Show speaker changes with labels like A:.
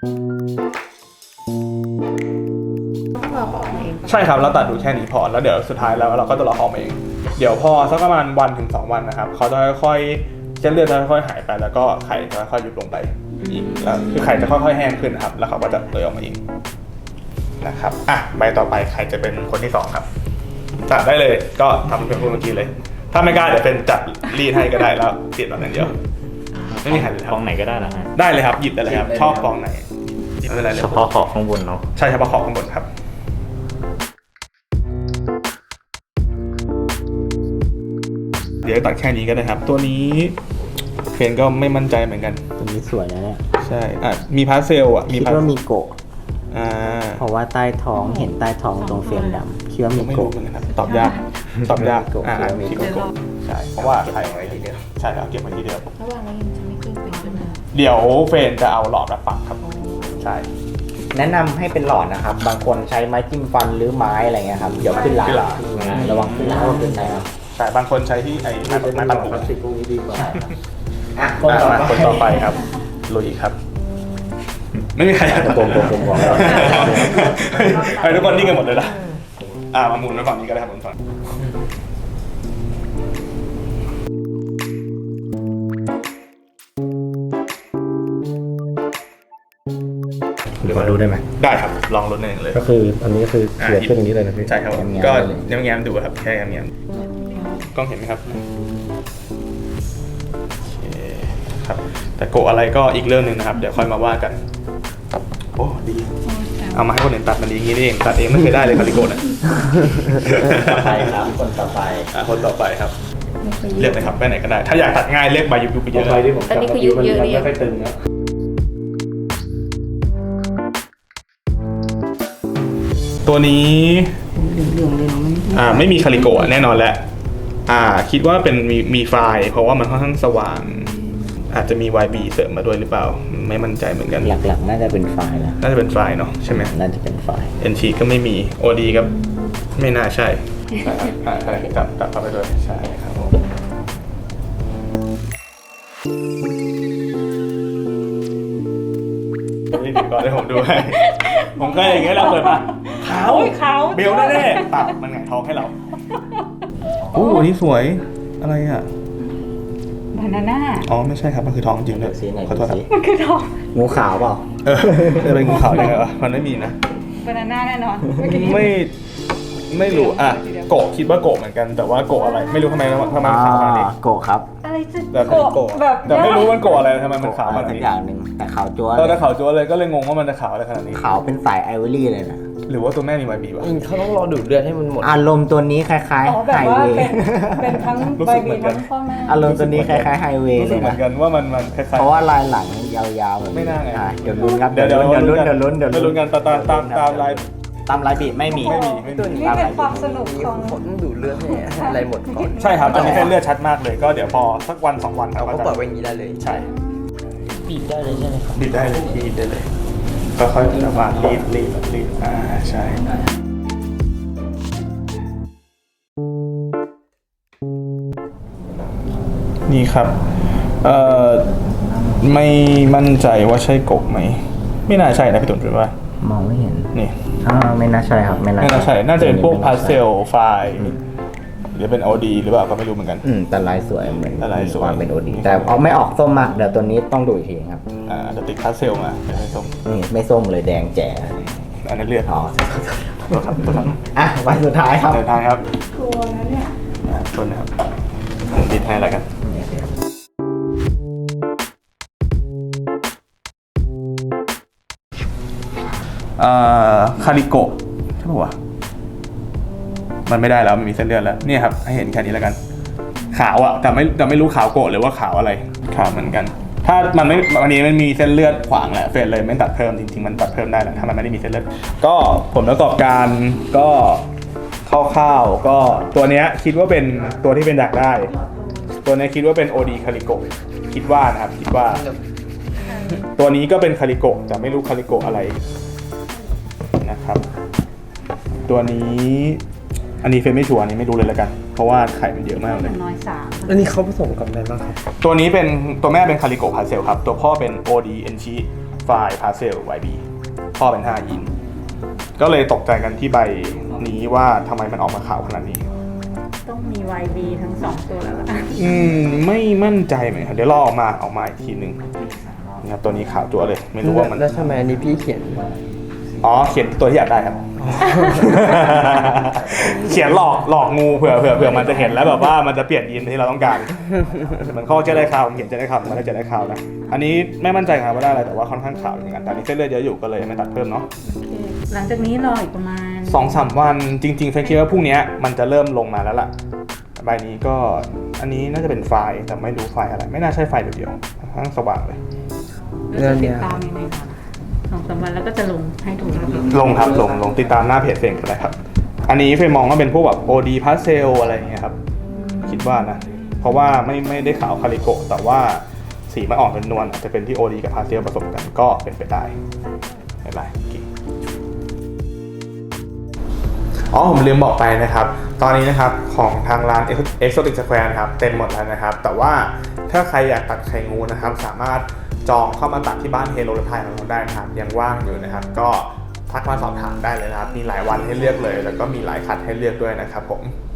A: ใช่ครับเราตัดดูแค่นี้พอแล้วเดี๋ยวสุดท้ายแล้วเราก็จะรอออกมาเองเดี๋ยวพอสักประมาณ1 ถึง 2 วันนะครับเขาจะค่อยๆเส้นเลือดจะค่อยๆหายไปแล้วก็ไข่จะค่อยๆยุบลงไปอีกแล้วคือไข่จะค่อยๆแห้งขึ้นนะครับแล้วเขาก็จะเลยออกมาเองนะครับใบต่อไปใครจะเป็นคนที่2ครับจัดได้เลยก็ทำเป็นเมื่อกี้เลยถ้าไม่กล้าเดี๋ยวเป็นจัดรีดให้ก็ได้แล้วเปลี่ยนแบบนั้นเดียวไม่มีใครเลยครับ
B: ฟองไหนก็ได้นะฮะ
A: ได้เลยครับหยิบได้เลยครับชอบฟองไหนหยิบได้เลย
B: เฉพาะขอบข้างบนเนาะ
A: ใช่เฉพาะขอบข้างบนครับเดี๋ยวตัดแค่นี้ก็ได้ครับตัวนี้เฟนก็ไม่มั่นใจเหมือนกัน
C: ตัวนี้สวยนะเนี่ย
A: ใช่มีพาสเซลมี
C: คิดว่ามีโกะ เพราะว่าใต้ท้องเห็นใต้ท้องตรงเฟรมดำคิดว่ามี
A: ไม่รู้
C: โกะ
A: เหมือนกันครับตอบยากตอบยาก
C: โกะมี
A: คิด
C: โกะ
A: ว่าโกะใช่เพราะว่าถ่ายไว้ทีเดียวใช่ครับเก็บไว้ทีเดียว
D: ระหว่างนี้จะไม่ขึ้นเป็นขึ้นมา
A: เดี๋ยวเฟนจะเอาหลอดมาปักครับใช่
C: แนะนำให้เป็นหลอดนะครับ บางคนใช้ไม้จิ้มฟันหรือไม้อะไรเงี้ยครับ เดี๋ยวขึ้นลาระวังขึ้นลาขึ้นนะครับ
A: ใช่บางคนใช้ที่ไอ้ไม้ปันหู
C: พลาสติกพวกนี้ดีกว่า
A: คนต่อไปครับลุยครับ ไม่มีใครอยาก
C: ผมบอกแล้ว
A: ให้ทุกคนนิ่งกันหมดเลยนะมาหมุนไว้ฝั่งนี้ก็ได้ครับหมุนฝั่ง
B: เดี๋ยวมาดูได้ไหม
A: ได้ครับลองลุ้นเองเลย
B: ก็คืออันนี้คือเขียนขึ้นอย่างนี้เลยนะพี่
A: ใช่ครับก็แง้มๆดูครับแค่แง้มๆกล้องเห็นไหมครับโอเคครับแต่โกะอะไรก็อีกเรื่องหนึ่งนะครับเดี๋ยวค่อยมาว่ากันโอ้ดีเอามาให้คนอื่นตัดมันดีอย่างนี้นี่เองตัดเองไม่เคยได้เลยคาริโกะนะ
C: ต่อไปครับคนต่อไป
A: คนต่อไปครับเลือกเลยครับไปไหนก็ได้ถ้าอยากตัดง่ายเลือกใบยุบๆไปเยอะ
B: ใบที่ผม
D: อันนี้คือยุบเยอะเนี่ย
B: ไม่ค่อยตึงนะ
A: ตัวนี้
D: เหลืองๆเลยเนาะมัน
A: ไม่มีคาริโกะแน่นอนแหละคิดว่าเป็นมีไฟล์เพราะว่ามันค่อนข้างสว่างอาจจะมี YB เสริมมาด้วยหรือเปล่าไม่มั่นใจเหมือนกัน
C: หลักๆน่าจะเป็นไฟล์นะ
A: น่าจะเป็นไฟล์เนาะใช่ไหม
C: น่าจะเป็นไฟล์
A: NT ก็ไม่มี OD ก็ไม่น่าใช่ใช่ครับจับเข้าไปด้วยใช่ครับผมนี่ถึงก่อนให้ผมดูให้ผมก็อย่างเงี้ยเราเปิดมาขาวเบลแน่ๆตัดมันหงายท้องให้เราโอ้นี่สวยอะไรอ่ะ
D: บานาน่า
A: อ๋อไม่ใช่ครับมันคือทองจริงเลย
C: สีไหน
A: ขอโทษครับ
D: มันคือทอง
C: งูขาวเปล่า
A: จะเป็นงูขาวได้ไงวะมันไม่มีนะ
D: บานาน่าแน่นอน
A: ไม่รู้โกะคิดว่าโกะเหมือนกันแต่ว่าโกะอะไรไม่รู้ทำไมมันขาวขนาดนี้
C: โกะครับ
D: อะไรจะ
A: แบบ
D: โกะแบบ
A: แต่ไม่รู้มันโกะอะไรทำไมมันขาว
C: อะ
A: ข
C: ไร
A: นาด
C: สัก
A: นี้
C: อย่างหนึ่งแต่ขาวจั๊ว
A: แต่ขาวจั๊วเลยก็เลยงงว่ามันจะขาวอะไรขนาดนี้
C: ขาวเป็นสายไอวอรี่เลยนะ
A: หรือว่าตัวแม่มี YB วะ
B: เขาต้องรอดูดเลือดให้มันหมด
C: อารมณ์ตัวนี้คล้าย
D: อ๋อ
C: ๆ
D: แบ
C: ไฮ
D: บว่า
C: เวย์
D: เป็นทั้ง
A: รู้
D: ใบ
A: สึกเหมื
D: มี
A: อนกั
D: ทั้
A: น
D: งข้อแม่
C: อารมณ์ตัวนี้คล้ายๆไฮเวย์
A: รู้
C: เล
A: สึก
C: ย
A: เหมื
C: นะ
A: อนกันว่ามันคล้ายๆ
C: เพราะว่าลายหลังยาวๆแบบ
A: ไม่น่าไง
C: เดี๋ยวลุ้นครับ
A: เดี๋ยวลุ้น
C: เดี๋ยวลุ้น
A: กันตามลาย
C: ตามลายบีบไม่มี
A: ไม่มี
D: นี่เป็นความสนุกของ
B: ผลดูดเลือดให้อะไรหมดก่อน
A: ใช่ครับอันนี้ให้เลือดชัดมากเลยก็เดี๋ยวพอสักวัน2 วัน
B: เราก็ปล่อยไว้อย่างนี้ได้เลย
A: ใช่
C: บีบได้เลยใช่ไหมครับ
A: บีบได้เลยบีบได้เลยก็ค่อยๆแบบว่ารีดใช่นี่ครับไม่มั่นใจว่าใช่กบไหมไม่น่าใช่นะพี่ตุ่นคิดว่าม
C: องไม่เห็น
A: นี่
C: ไม่น่าใช่ครับไม่น่า
A: ไม่น่าใช่น่าจะเป็นพวกพาสเซล
C: ล
A: ไฟล์หรือเป็น OD หรือเปล่าก็ไม่รู้เหมือนกัน
C: แต่ลายสวยเหมือน
A: แต่ลายสวย
C: ความเป็นโอดีแต่เอาไม่ออกส้มมากเดี๋ยวตัวนี้ต้องดูอีกทีครับ
A: อาจจะติดพาสเซลมาไม่ส้ม
C: นี่ไม่ส้มเลยแดงแจ๋
A: อันนั้นเลือด
C: อ๋อ
A: ตัวครับ
C: วันสุดท้ายครับ
A: เดินทางครับ
D: ครัวนะเนี่ย
A: ต้นนะครับผมติดให้แล้วกันคาริโกะใช่ป่าวะมันไม่ได้แล้วมันมีเส้นเลือดแล้วนี่ครับให้เห็นแค่นี้แล้วกัน ขาวอะแต่ไม่รู้ขาวโกะหรือว่าขาวอะไรขาวเหมือนกัน ถ้ามันไม่วันนี้มันมีเส้นเลือดขวางแหละเฟรนเลยไม่ตัดเพิ่มจริงๆมันตัดเพิ่มได้แหละถ้ามันไม่ได้มีเส้นเลือดก็ผลประกอบการก็คร่าวๆก็ตัวเนี้ยคิดว่าเป็นตัวที่เป็นอยากได้ ตัวนี้คิดว่าเป็น OD คาริโกะคิดว่านะครับคิดว่า ตัวนี้ก็เป็นคาริโกะแต่ไม่รู้คาริโกะอะไรนะครับตัวนี้อันนี้เฟรนไม่ชัวร์อันนี้ไม่รู้เลยแล้วกันเพราะว่าไข่มันเยอะมากเลย
D: น้อยสาม
B: อันนี้เขาผสมกับอะไรบ้างครับ
A: ตัวนี้เป็นตัวแม่เป็นคาริโกะพาเซลครับตัวพ่อเป็น OD เอนชิไฟล์พาเซล YB ท่อเป็น5อินก็เลยตกใจกันที่ใบนี้ว่าทำไมมันออกมาขาวขนาดนี้
D: ต้องมี YB ทั้ง 2 ตัวแล้วล่ะ
A: ไม่มั่นใจเหมือนกันเดี๋ยวรอออกมาอีกทีหนึ่งนะครับตัวนี้ขาวจั๊วเลย ไม่รู้ว่ามัน
B: แล้วทำไมอันนี้พี่เขียน
A: อ๋อเขียนตัวที่อยากได้ครับ เขียนหลอกงูเผื่อมันจะเห็นแล้วแบบว่ามันจะเปลี่ยนยีนที่เราต้องการเหมือนข้อจะได้ข่าวเขียนจะได้ข่าวมันก็จะได้ข่าวนะอันนี้ไม่มั่นใจครับว่าได้อะไรแต่ว่าค่อนข้างขาวอย่างนั้นแต่อันนี้เส้นเลือดเยอะอยู่ก็เลยไม่ตัดเพิ่มเนาะ
D: โอเคหลังจากนี้รออีกประมาณ
A: 2-3 วันจริงๆเฟนคิดว่าพรุ่งนี้มันจะเริ่มลงมาแล้วล่ะใบนี้ก็อันนี้น่าจะเป็นไฟล์แต่ไม่รู้ไฟล์อะไรไม่น่าใช่ไฟล์เดียวๆทั้งสว่างเลย
D: แล้วจะติดตามยังไงคะ2-3 วันแล้วก็จะลงให้ถูกแล้ว
A: ลงครับลงติดตามหน้าเพจเฟรมก็ได้ครับอันนี้เฟรมมองว่าเป็นพวกแบบ OD Pastel อะไรอย่างเงี้ยครับคิดว่านะเพราะว่าไม่ได้ขาวคาริโกะแต่ว่าสีมันอ่อนเป็นนวลอาจจะเป็นที่ OD กับ Pastel ผสมกันก็เป็นไปได้ไม่เป็นไรอ๋อผมลืมบอกไปนะครับตอนนี้นะครับของทางร้าน Exotic Square นะครับเต็มหมดแล้วนะครับแต่ว่าถ้าใครอยากตัดไข่งูนะครับสามารถจองเข้ามาตัดที่บ้านเฮโลไทยของเราได้นะครับยังว่างอยู่นะครับก็ทักมาสอบถามได้เลยนะครับมีหลายวันให้เลือกเลยแล้วก็มีหลายคัดให้เลือกด้วยนะครับผม